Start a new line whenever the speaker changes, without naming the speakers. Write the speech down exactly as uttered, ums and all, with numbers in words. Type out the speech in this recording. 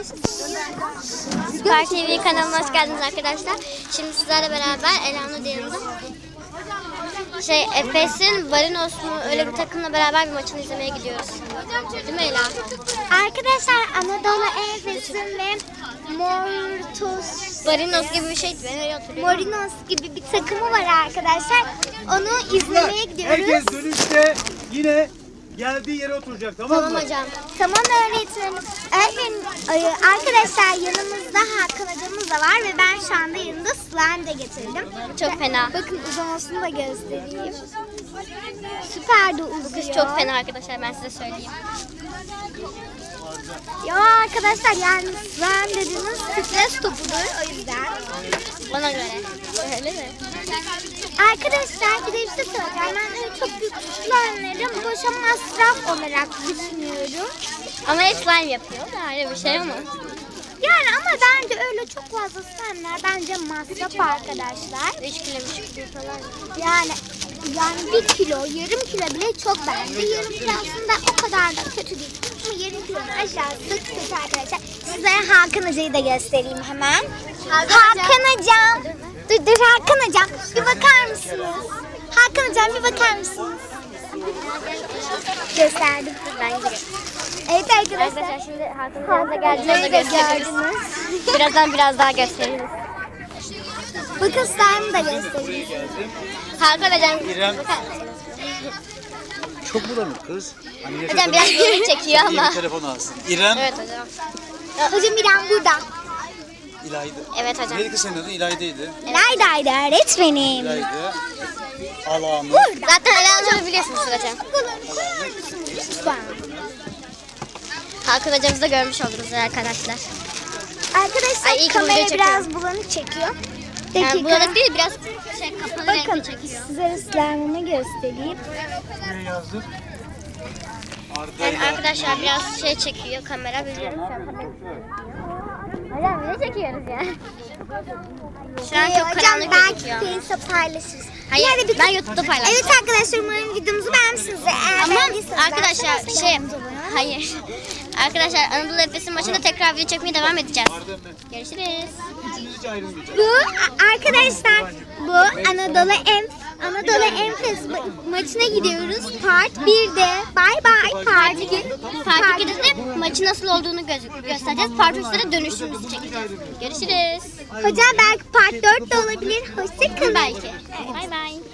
Süper T V kanalına hoş geldiniz arkadaşlar. Şimdi sizlerle beraber Elanur yanında şey Efes'in Varinos mu öyle bir takımla beraber bir maçını izlemeye gidiyoruz. Değil mi Ela?
Arkadaşlar Anadolu Efes'in ve Mortos
Varinos gibi bir şeydi. Ben öyle hatırlıyorum.
Morinos gibi bir takımı var arkadaşlar. Onu izlemeye gidiyoruz.
Herkes dönüşte yine geldiği yere oturacak, tamam mı?
Tamam hocam.
Tamam öğretmenim. Öğretmenim e, arkadaşlar yanımızda Hakan hocamız da var ve ben şu anda yanımda slime de getirdim.
Çok fena.
Bakın uzamasını da göstereyim. Süper de uzuyor.
Bu kız çok fena arkadaşlar, ben size söyleyeyim.
Ya arkadaşlar yani slime dediğiniz stres topudur o yüzden.
Bana göre. Öyle mi?
Arkadaşlar bir de bir şey söyleyeceğim. Ben öyle çok büyük slime'ları boşa masraf olarak düşünüyorum.
Ama hep slime yapıyor. Öyle bir şey ama.
Yani ama bence öyle çok fazla slime'lar bence masraf arkadaşlar.
üç kilo, üç kilo falan.
Yani yani bir kilo, yarım kilo bile çok bence. Yarım kilo aslında o kadar da kötü değil. Ama yarım kilonun aşağısı kötü arkadaşlar. Size Hakan Hoca'yı da göstereyim hemen. Hakan Hocam. Dur dur Hakan Hocam. Bir bakar mısınız? Hakan Hocam bir bakar mısınız? Gösterdim.
Ben gidiyorum.
Evet arkadaşlar.
Arkadaşlar şimdi Hakan'ın yanına geldiğinde
Hoca'yı da
gösteririz.
gördünüz.
Birazdan biraz daha gösteririz.
Bakın slime'ı da göstereyim.
Hakan hocam.
İrem. Çok bulanık kız. Anne
Hocam biraz geri çekiyor
İyi
ama.
bir telefon alsın. İrem.
Evet hocam.
Hocam İrem burada.
İlayda.
Evet hocam.
Neydi kız senin adın? İlayda'ydı.
Neredeydi öğretmenim?
İlayda. Alanı.
Zaten Elanur'u biliyorsunuz hocam. Hakan hocamızı da görmüş oldunuz arkadaşlar.
Arkadaşlar
Ay, iyi ki
kamera
video
biraz bulanık çekiyor.
Yani
Dakika.
bulanık değil, biraz şey kapalı
Bakın
renkli çekiyor.
size slime'ımı göstereyim.
Şuraya yazdık.
Yani
Arda'yla.
arkadaşlar biraz şey çekiyor kamera, biliyorum şu an kamera. Hocam video çekiyoruz ya. Şu an
Ee,
çok
hocam
karanlık
belki
gözüküyor ama.
Face'e paylaşırız.
Hayır,
Hadi bir-
ben YouTube'da paylaştım.
Evet arkadaşlar umarım videomuzu beğenmişsiniz. Eğer
Ama
beğendiyseniz
arkadaşlar
like,
şey,
kanalımıza abone olun.
hayır. Arkadaşlar Anadolu Efes'in maçında tekrar video çekmeye devam edeceğiz.
Arda ben.
Görüşürüz.
Üçünüz hiç ayrılmayacak.
Bu arkadaşlar bu Anadolu Em Anadolu Enfes ma- maçına gidiyoruz. Part birde. Bye bye part iki.
Part ikide de maçın nasıl olduğunu gö- göstereceğiz. Part üçte de dönüşümüzü çekeceğiz. Görüşürüz.
Hocam belki part dört de olabilir. Hoşçakalın.
Belki. Bay bay.